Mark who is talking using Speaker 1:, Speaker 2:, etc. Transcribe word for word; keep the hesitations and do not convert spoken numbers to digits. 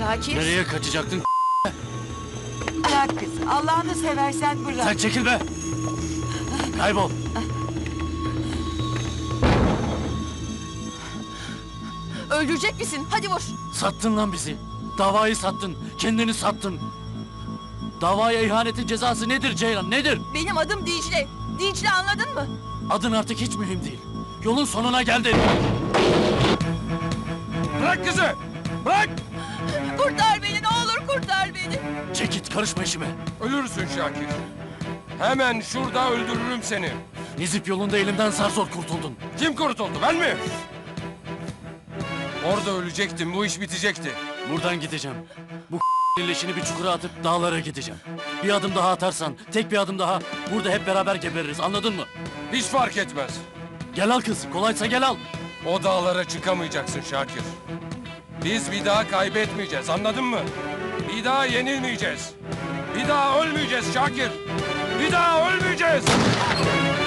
Speaker 1: Şakir.
Speaker 2: Nereye kaçacaktın?
Speaker 1: Bırak kız. Allah'ını seversen bırak.
Speaker 2: Sen çekil be! Kaybol!
Speaker 3: Öldürecek misin? Hadi vur.
Speaker 2: Sattın lan bizi. Davayı sattın. Kendini sattın. Davaya ihanetin cezası nedir Ceylan, nedir?
Speaker 3: Benim adım Dicle. Dicle, anladın mı?
Speaker 2: Adın artık hiç mühim değil. Yolun sonuna geldin.
Speaker 4: Bırak kızı! Bırak!
Speaker 3: Kurtar beni, ne olur kurtar beni.
Speaker 2: Çek git, karışma işime.
Speaker 4: Ölürsün Şakir. Hemen şurada öldürürüm seni.
Speaker 2: Nizip yolunda elimden zar zor kurtuldun.
Speaker 4: Kim kurtuldu, ben mi? Orada ölecektim, bu iş bitecekti.
Speaker 2: Buradan gideceğim. Bu leşini bir çukura atıp dağlara gideceğim. Bir adım daha atarsan, tek bir adım daha burada hep beraber gebeririz, anladın mı?
Speaker 4: Hiç fark etmez.
Speaker 2: Gel al kız, kolaysa gel al.
Speaker 4: O dağlara çıkamayacaksın Şakir. Biz bir daha kaybetmeyeceğiz, anladın mı? Bir daha yenilmeyeceğiz. Bir daha ölmeyeceğiz Şakir. Bir daha ölmeyeceğiz.